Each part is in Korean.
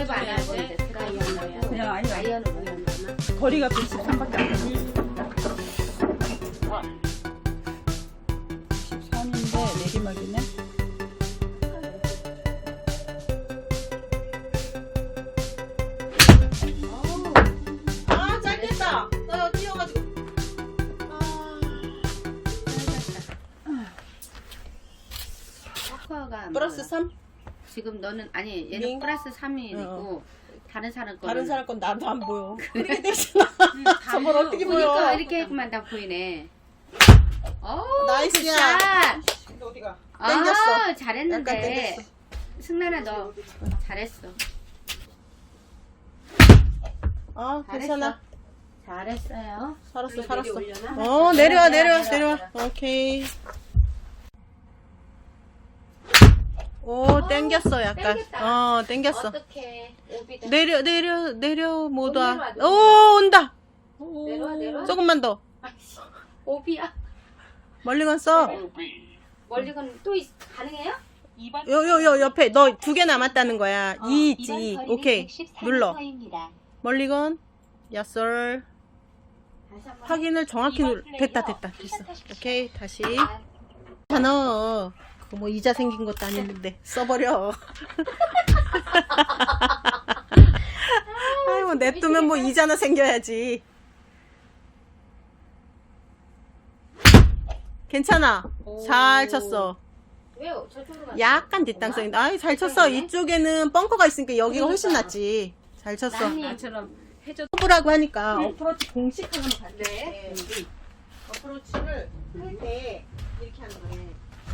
드라이브 안 해야 돼. 드라이어로 해야 돼. 그냥 아니 아이언으로 해야 되나? 거리가 113밖에 안 돼. 13인데 내리막이네. 아 짧겠다. 나 뛰어가지고. 스코어가 플러스 3? 지금 너는 아니 얘는 링? 플러스 3이고 다른 사람 거 다른 사람 건 나도 안 보여. 그렇게 되잖아. 저걸 어떻게 보여? 보니까 이렇게 했구만 다 보이네. 오 나이스야. 굿샷. 근데 어디가? 아 땡겼어. 약간 잘했는데 땡겼어. 승란아 너 잘했어. 아 괜찮아. 잘했어요. 살았어 여기 살았어. 내려올려나? 어 내려와 내려와. 오케이. 오 땡겼어 약간. 땡겼다. 땡겼어. 어떻게 오비다. 내려 못 와. 내려와, 오 내려와. 온다. 내려와. 조금만 더. 아이씨, 오비야. 멀리 갔어. 멀리 건 또 가능해요? 요 옆에 너 2개 남았다는 거야. 2 있지. 오케이. 눌러. 멀리 건 야썰. 다시 한번. 확인을 정확히 됐다. 됐어. 오케이. 다시. 너 그거 뭐 이자 생긴 것도 아닌데 써버려. 아이고 냅두면 뭐 이자나 생겨야지. 괜찮아. 잘 쳤어. 왜요? 저쪽으로 갔어. 약간 뒷땅성인데. 아이 잘 쳤어. 이쪽에는 벙커가 있으니까 여기가 훨씬 낫지. 잘 쳤어. 나처럼 해줘. 서브라고 하니까 어프로치 공식 하나만 갈게. 네. 어프로치를 할 때 이렇게 하는 거네.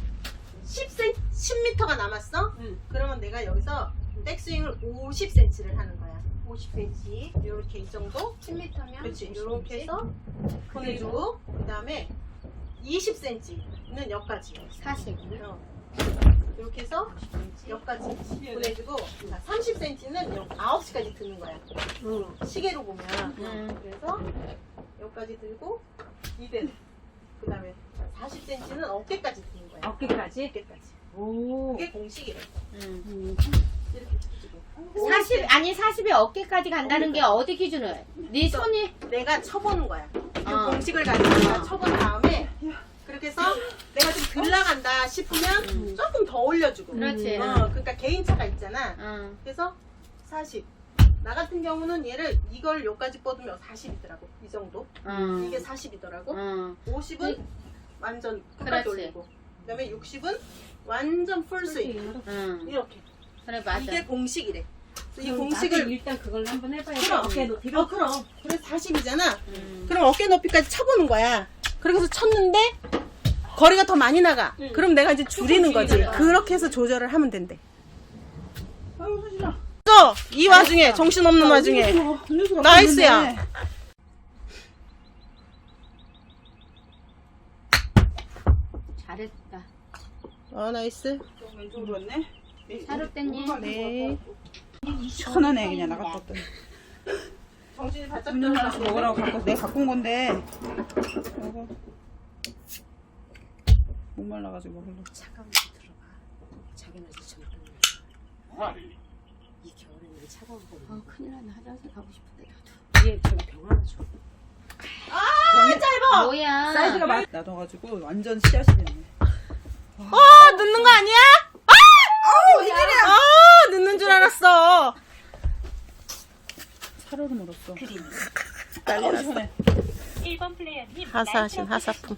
10m가 남았어? 그러면 내가 여기서 백스윙을 50cm를 하는 거야. 50cm. 이렇게 이 정도? 10m면 그렇지. 이렇게 해서 보내주고 그 다음에 20cm는 여기까지. 40. 이렇게 해서 여기까지 보내주고 30cm는 9시까지 드는 거야. 시계로 보면. 그래서 여기까지 들고 이대로. 그 다음에 40cm는 어깨까지 드는 거야. 어깨까지? 어깨까지. 오. 그게 공식이래. 이렇게 해주고. 40 아니 40이 어깨까지 간다는 게 어디 기준으로? 네 손이 내가 쳐보는 거야. 그 어. 공식을 가지고 내가 쳐본 다음에 그렇게 해서 내가 좀 덜 나간다 싶으면 조금 더 올려주고. 그렇지. 그러니까 개인차가 있잖아. 그래서 40. 나 같은 경우는 얘를 이걸 여기까지 뻗으면 40이더라고. 이 정도. 이게 40이더라고. 50은 완전 끝까지 그렇지. 올리고. 그 다음에 60은 완전 풀스윙. 이렇게. 그래 맞아. 이게 공식이래. 이 공식을 일단 그걸 한번 해봐야 돼. 그럼. 어깨 높이로. 그럼. 그래서 40이잖아. 그럼 어깨 높이까지 쳐보는 거야. 그래서 쳤는데 거리가 더 많이 나가. 그럼 내가 이제 줄이는 거지. 그렇게 해서 조절을 하면 된대. 아유 손실아. 이 와중에 정신없는 와중에 나이스야. 잘했다. 나이스. 왼쪽으로 왔네. 사육대님. 네. 시원하네 그냥 나갔다 왔더니. 정신이 바짝 운전 하나씩 먹으라고 내가 갖고 온 건데. 이거 목말라가지고 먹으려고. 차가운 데 들어가. 자기네들 정말 이 겨울에는 이게 차가운 거. 큰일 났네. 화장실 가고 싶은데 나도. 얘 저기 병 하나 줘. 짧아. 뭐야? 사이즈가 많이 놔둬가지고 완전 씨앗이 됐네. 늦는 거 아니야? 늦는 줄 알았어. 사료를 물었어. 난리 났어. 시원해. 1번 플레이어님 하사하신 하사품.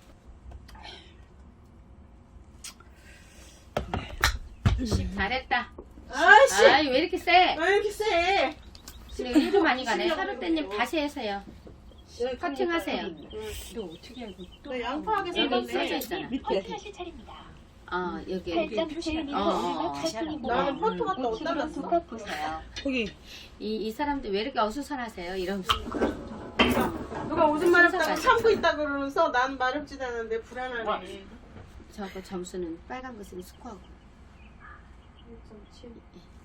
잘했다. 아이씨. 아이 왜 이렇게 세? 왜 이렇게 세? 지금 일도 많이 가네. 사육대님 다시 해서요. 커팅하세요. 너 어떻게 알고? 너 양파하게 여기 써져 생겼네. 있잖아. 화이트하실 차례입니다. 여기. 살짝 틀리는 마지막 활동입니다. 나는 포토가 또 어디다 우측으로 놨어? 두컵 보세요. 거기 이 사람들 왜 이렇게 어수선하세요? 이러면서. 누가 오줌 마렵다고 순서가 참고 있다 그러면서 난 마렵지도 않은데 불안하네. 저거 점수는 빨간 것은 스코어고. 1.7.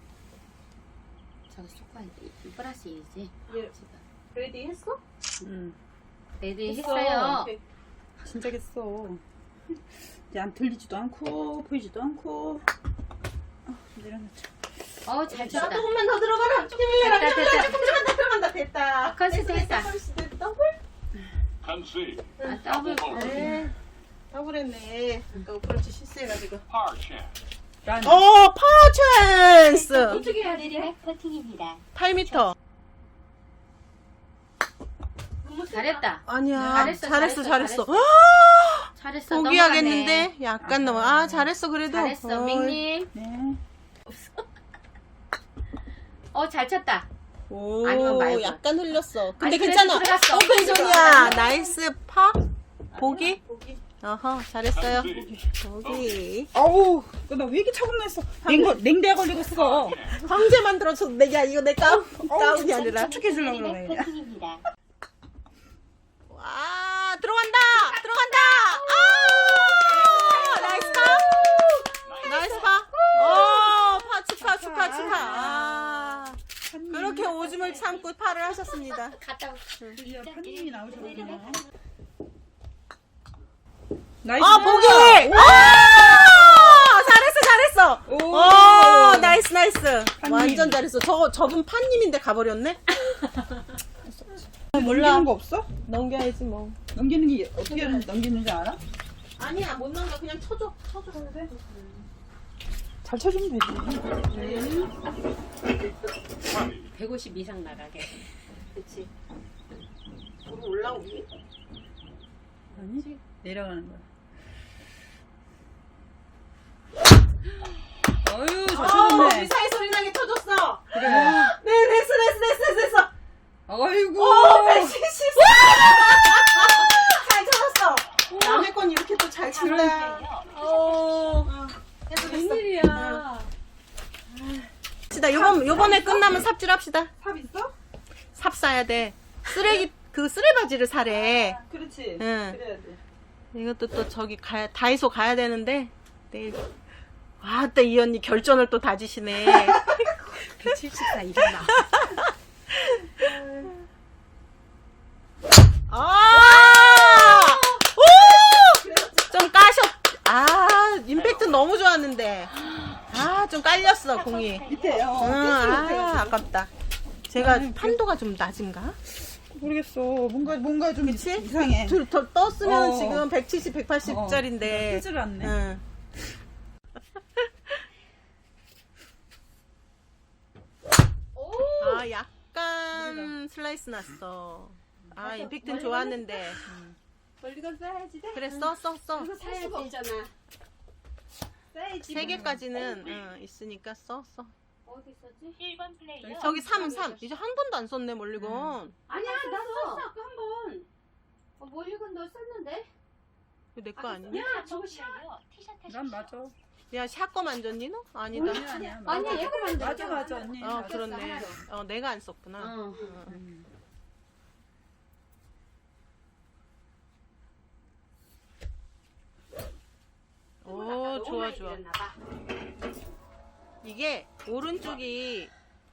저거 스코어 플러스 1이지. 예. 그래도 했어? 레디 했어요. 오케이. 진짜 겠어. 이제 안 들리지도 않고 보이지도 않고. 내려놓자. 잘 자, 쳤다. 조금만 더 들어가라. 힘을 내라. 됐다, 됐다. 조금 들어간다. 됐다. 컨셉 됐다. 더블? Concede. 더블. 그래. 더블했네. 아까 어프로치 실수해가지고. Par chance. 파워 찬스. 어떻게 해야 되지? 내리막 퍼팅입니다. 8m. 잘했다. 아니야. 잘했어. 잘했어. 잘했어. 포기하겠는데? 약간 넘어. 잘했어, 그래도. 잘했어. 밍님. 네. 잘 쳤다. 오, 아니면 말고. 약간 흘렸어. 근데 아니, 괜찮아. 그래도 들어갔어. 오펜존이야. 나이스 파. 보기? Concede. 어허, 잘했어요. 보기. 아우, 나 왜 이렇게 차분했어? 냉대에 걸리고 있어. 황제 만들어서 내가 이거 내 다운이 아니라. 축축해주려고 내리막 그러네. 퍼팅입니다. 와, 들어간다! 아! 나이스 파! 나이스 파! 축하. 아, 그렇게 오줌을 참고 파를 하셨습니다. 갔다 오. 드디어 판님이 나오셨구나. 나이스. 아, 보기! 잘했어! 오, 나이스. 완전 잘했어. 저분 판님인데 가버렸네? 넘기는 거 없어? 넘겨야지, 뭐. 넘기는 게 어떻게 넘기는지 알아? 아니야, 못 넘겨. 그냥 쳐줘. 잘 쳐주면 되지. 150 이상 나가게. 그치. 그럼 올라오니? 아니지. 내려가는 거야. 어휴, 잘 쳐줬네. 미사일 소리 나게 쳐줬어. 그래. 네, 됐어. 아이고. 170. 잘 쳐줬어. 남의 건 이렇게 또 잘 친다. 웬일이야. 합시다. 요번에 끝나면 삽질합시다. 삽 있어? 삽 사야 돼. 쓰레바지를 사래. 그렇지. 응. 그래야 돼. 이것도 또 저기 다이소 가야 되는데 내일. 와, 또 이 언니 결전을 또 다지시네. 174 이상 나. 좀 임팩트 너무 좋았는데. 좀 깔렸어, 공이. 밑에, 아깝다. 제가 판도가 좀 낮은가? 모르겠어. 뭔가 좀 그치? 이상해. 더 떴으면 어. 지금 170, 180짜리인데. 뜨지를 않네. 응. 약간 슬라이스 났어. 임팩트는 좋았는데. 멀리건 써야지 돼. 그래, 써. 이거 살 수가 없잖아. 써야지. 3개까지는 있으니까 써. 어디 있었지? 1번 플레이어. 저기 3. 이제 한 번도 안 썼네, 멀리건. 아니야, 나 썼어. 아까 한 번. 멀리건 너 썼는데? 이거 내 거 아니냐? 야, 저거 샷. 티샷 하십시오. 난 맞아. 야, 샷거 만졌니, 너? 아니다. 아니야. 아니야, 얘가 만들었잖아. 맞아, 언니. 그렇네. 내가 안 썼구나. 오, 좋아. 이게 오른쪽이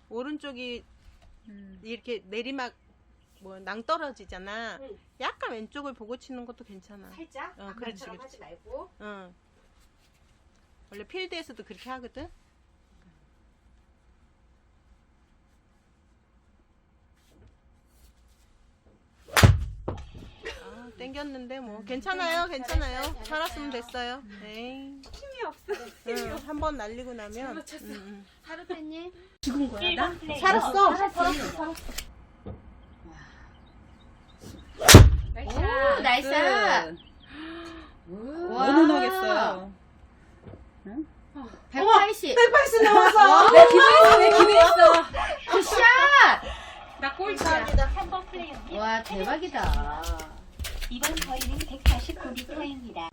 이렇게 내리막 낭떨어지잖아. 응. 약간 왼쪽을 보고 치는 것도 괜찮아. 살짝. 그렇지. 아까처럼 하지 말고. 응. 원래 필드에서도 그렇게 하거든. 땡겼는데 뭐 괜찮아요. 살았으면 됐어요. 에이. 힘이 없어. 응, 한번 날리고 나면. 하루때님. 1번 플레이어. 살았어. 오, 나이스. 너무 나겠어요. 180. 180 나왔어. 내 기대했어. 굿샷. 나 꼴찌야. 3번 플레이어님. 와, 대박이다. 이번 거리는 149m입니다.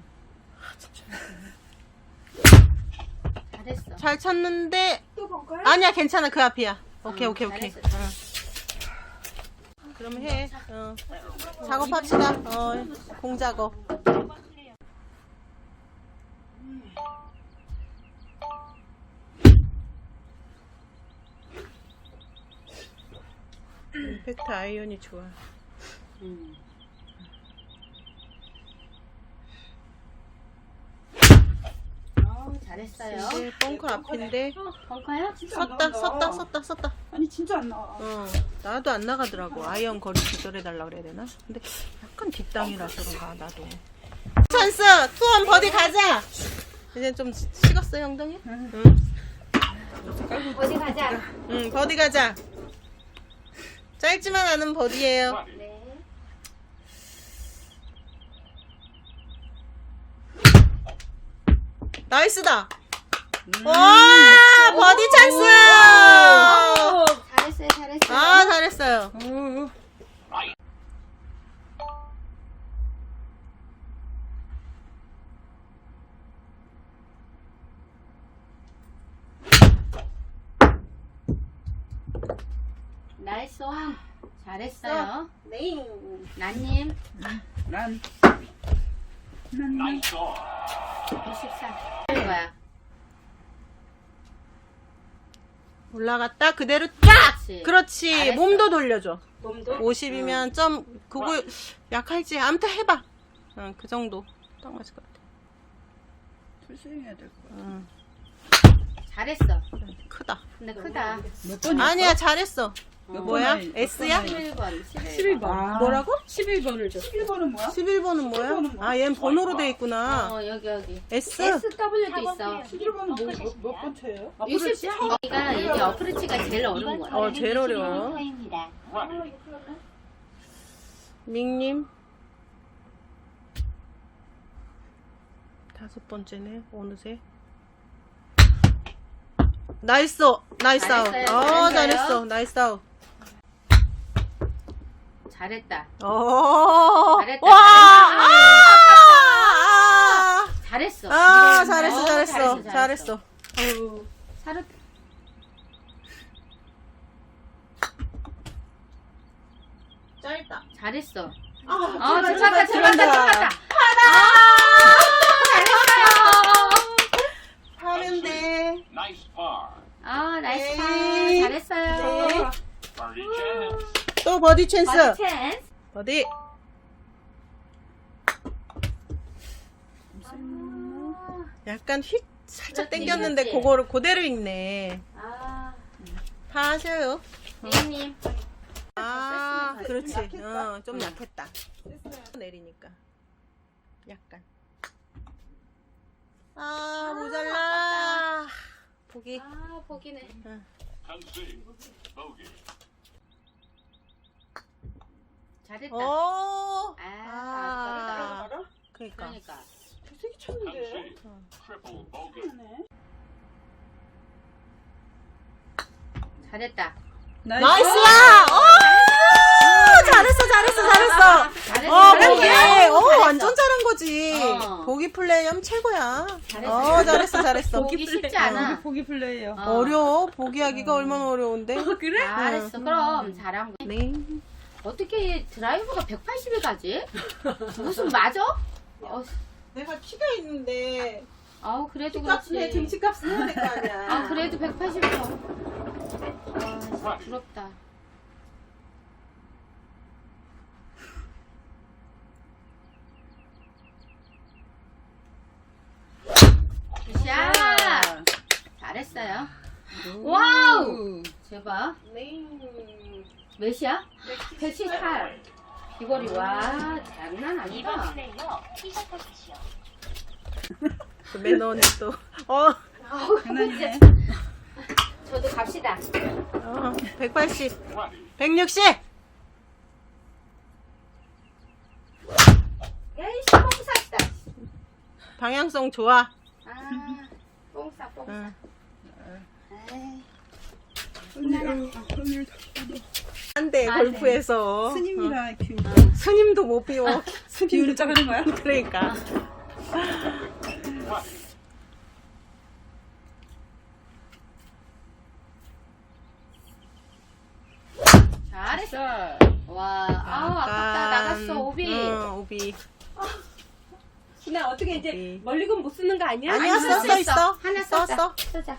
잘했어. 잘 쳤는데. 또 벙커야? 아니야, 괜찮아. 그 앞이야. 오케이. 잘했어. 그럼 해. 작업합시다. 공 작업. 1번 플레이어. 임팩트 아이언이 좋아. 잘했어요. 이제 벙커 앞인데 벙커요? 진짜 안 섰다 나간다. 섰다. 아니 진짜 안 나와. 나도 안 나가더라고. 아이언 거리 조절해달라 그래야 되나? 근데 약간 뒷땅이라서 그런가 나도. 찬스! 투원 버디 가자! 이제 좀 식었어 형동이? 응. 어디 가자. 응 버디 가자. 짧지만 않은 버디예요. 네. 나이스다. 와 버디 찬스. 잘했어요, 잘했어요. 아 잘했어요. 나이스 원. 잘했어요. 네. 나님 난 나이스 온. 24. 하는 거야. 올라갔다 그대로 딱. 그렇지. 그렇지. 잘했어. 몸도 돌려줘. 몸도 50이면 점 그거 약할지 아무튼 해봐. 응, 그 정도 딱 맞을 것 같아. 풀스윙해야 될 거야. 응, 잘했어. 크다. 근데 크다. 몇 번이 아니야 잘했어. 몇 뭐야? 번을- S야? 11번. 11번. 아, 뭐라고? 11번을 줘. 11번은 뭐야? 11번은 뭐야? 11번은 뭐야? 아 얘는 번호로 돼 있구나. 여기. S? SW도 있어. 11번은 몇 번째예요? 60. 여기가 이게 어프로치가 제일 어려운 거야. 어 제일 어려워. 터입니다. 밍님 5번째네 어느새. 나이스 나이스 아웃. 잘했어요, 어 잘했어요. 잘했어 나이스 아웃. 잘했다. 오. 잘했다, 와. 잘했어. 아 잘했어 어, 잘했어 잘했어. 사르 짧다. 잘했어. 아 들어갔다. 하면 돼. 나이스 파. 나이스 파. 네. 잘했어요. 버디 찬스. 또 버디 찬스. 버디 찬스. 버디. 약간 휙 살짝 그렇지, 당겼는데 그렇지. 그거를 그대로 읽네. 다 하셔요. 대님. 아, 그렇지. 좀 약했다. 내리니까. 약간. 아, 모자라. 보기. 보기네. 컨시. 보기. 잘했다. 오. 아, 그러니까. 그러니까. 되게 쳤는데. 컨시. 트리플 보기. 잘했다. 나이스야! 잘했어. 보기. 완전 잘한 거지. 보기 플레이엄 최고야. 잘했어. 보기 쉽지 않아. 보기 플레이예요. 어려워. 보기하기가 얼마나 어려운데. 그래? 잘했어. 그럼 잘한 거. 네. 어떻게 드라이버가 180을 가지? 무슨 맞아? 내가 키가 있는데 그래도 키값은 해, 그렇지. 등치값은 해야 될 거 아니야. 그래도 180은 진짜 부럽다. 굿샷! 잘했어요. 와우! 제발. 네. 몇이야? 178. 비거리, 와, 장난 2번 아니다. 플레이어 시작하십시오. 그 매너는 또. 장난이네. 저도 갑시다. 180. 20. 160. 야이씨, 뽕쌌다. 방향성 좋아. 뽕싸. 응. 안 돼, 골프에서. 스님이라 큐. 스님도 못 비워. 비율을 작은 거야? 그러니까. 잘했어. 와, 아깝다. 나갔어, 오비. 오비. 나 어떻게 이제 오비. 멀리건 못 쓰는 거 아니야? 아니야, 쓸수 썼어 있어. 하나 썼어. 썼어. 쓰자.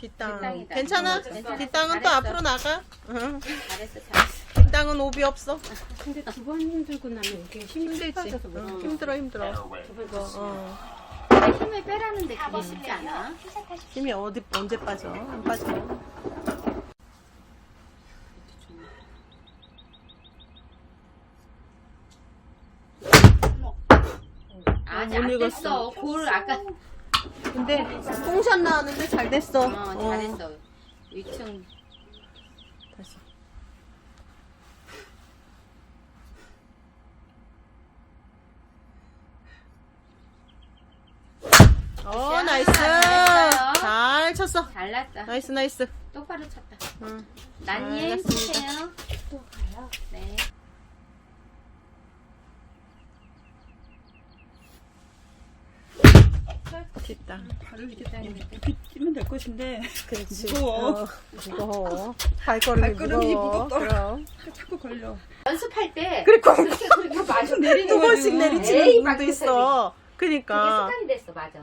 뒷땅. 뒷땅이다. 괜찮아? 괜찮아. 뒷땅은 또 잘했어. 앞으로 나가. 응. 잘했어. 뒷땅은 오비 없어. 근데 두 번 힘들고 나면 이게 힘들지. 빠져서 못 응, 힘들어. Fairway. 힘을 빼라는데 그게 쉽지 않아. 힘이 언제 빠져? 안 빠져. 아직 못 안 읽었어. 됐어. 골 아까 근데 뽕샷 나왔는데 잘 됐어. 잘했어. 위층 다시. 나이스. 잘했어요. 잘 쳤어. 잘났다. 나이스. 똑바로 쳤다. 응. 난님 알겠습니다. 주세요. 또 가요. 네. 뒷땅. 발을 이렇게 끼면 될 것인데 그렇지. 무거워. 무거워. 발걸음이 무거워. 무겁더라. 그럼. 자꾸 걸려. 연습할 때 그리고 그렇게 마주 내리는 두 번씩 에이, 내리치는 분도 막 있어. 그게 그니까. 습관이 됐어. 맞아.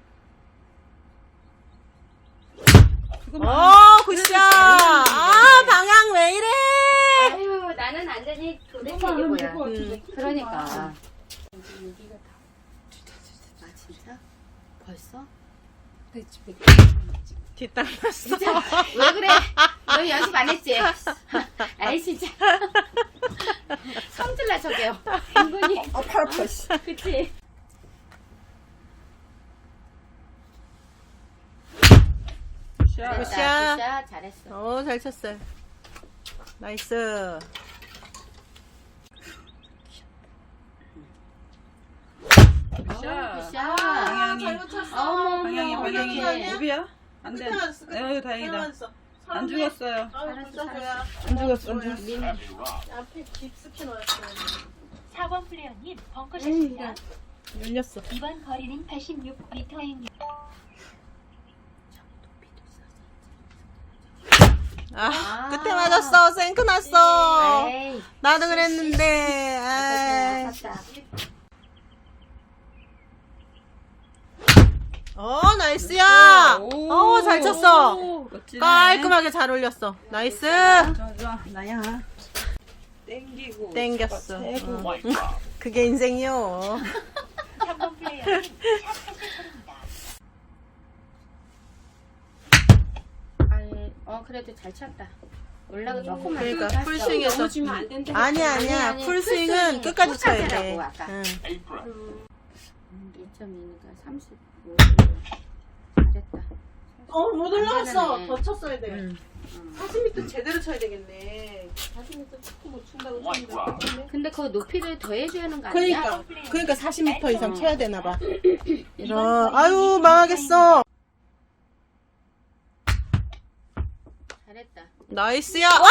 굿샷. 아, 방향 왜 이래? 아유 나는 완전히 도대체 이게 뭐야. 그러니까. 아 진짜? 벌써? 뒷땅 났어. 진짜 왜 그래? 너 연습 안 했지? 아이 진짜 성질나 저게요. 은근히 팔 아파. 씨. 그치? 샷. 굿샷. 굿샷 잘했어. 잘 쳤어요. 나이스. 샷. 굿샷. 방향이. 잘못 쳤어. 어머, 방향이 어머, 방향이. 어떡해. 오비야? 안 돼. 끝에 맞았어. 에휴 다행이다. 안 죽었어요. 잘했어. 안 죽었어. 안 죽었어. Happy rock. 앞에 깊숙이 넣었어. 4번 플레이어님 벙커샷입니다. 열렸어. 이번 거리는 86m입니다. 끝에 맞았어. 생크 났어. 에이. 나도 그랬는데. 아이. 아깝다. 나이스야. 오. 잘 쳤어. 멋지네. 깔끔하게 잘 올렸어. 나이스. 좋아. 나야. 땡기고. 땡겼어. 세고. White rock. 그게 인생이요. 3번 플레이어님 샷하실 차례입니다. 아니, 그래도 잘 쳤다. 올라가 조금만. 그러니까 풀스윙에서. 넘어지면 안 된다. 아니야. 아니, 풀스윙은 풀스윙 끝까지 쳐야 돼. 끝까지라고, 아까. 응. Apron. 2.2니까 35. 잘했다. 못 올라갔어. 안 되네. 더 쳤어야 돼. 응. 40m 제대로 쳐야 되겠네. 40m 조금 못 친다고 White rock. 쳤는데. 근데 그 높이를 더해줘야 하는 거 아니야? 그러니까 40m 이상 쳐야 되나 봐. 아유, 망하겠어. 잘했다. 나이스야. 와!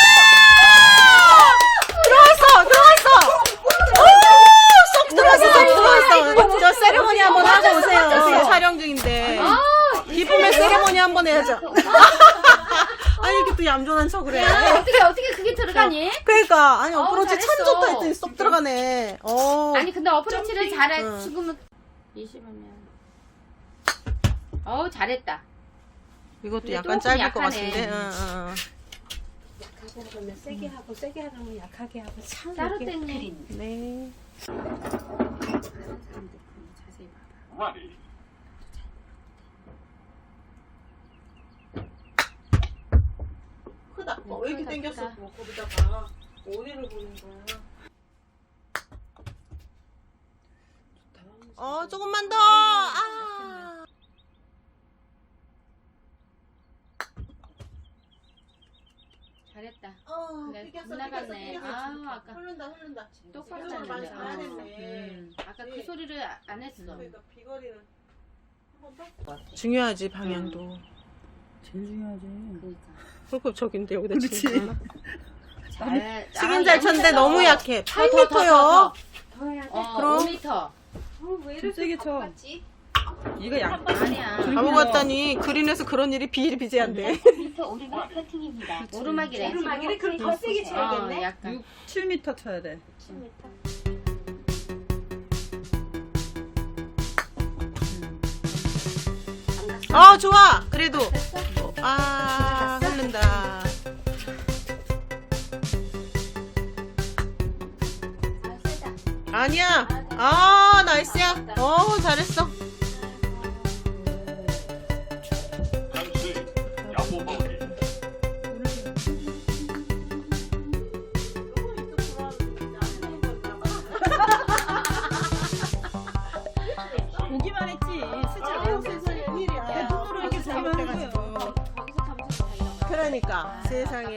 들어왔어. 쏙 들어왔어. 저 세레모니 한번 하고 오세요. 지금 촬영 중인데. 기쁨의 세레모니 한번 해야죠. 아니, 이렇게 또 얌전한 척을 해. 어떻게 그게 들어가니? 그러니까 아니 어프로치 참 잘했어. 좋다 했더니 쏙 들어가네. 아니 근데 어프로치를 잘해. 응. 지금은 20이면. 잘했다. 이것도 근데 약간 조금 짧을 것 약하네. 같은데. 약하게 하면 세게 하고 세게 하면 약하게 하고 참 따로 이게 땡네. 네. 자세히 봐봐. Ready. 크다. 왜 이렇게 크다, 땡겼어? 크다. 거기다가 어디를 보는 거야? 조금만 더. 아. 잘했다. 그래, 땡겼어, 빗나갔네. 땡겼어. 아우, 아까. 흐른다. 똑바로 지금은 많이 났는데. 잘해야 됐네. 아까 그 소리를 안 했어. 그러니까 비거리는 한 번 더? 중요하지 방향도. 제일 중요하지. 그러니까. 그리고 저긴데 여기다 그렇지. 치면. 치긴 잘 쳤는데 너무 약해. 8m요. 더 해야 돼. 그럼. 5m. 왜 좀 세게 쳐. 이거 약. 아니야. 바보 같다니 그린에서 그런 일이 비일비재한데. 3m 오르막 퍼팅입니다. 오르막이래. 오르막이래? 그럼 더 세게 쳐야겠네. 약간. 7m 쳐야 돼. 10m. 좋아. 그래도 아니야. 아, 나이스야. 잘했어. Concede. Double bogey. 보기만 했지. 아유 세상에 웬일이야. 그러니까 세상에.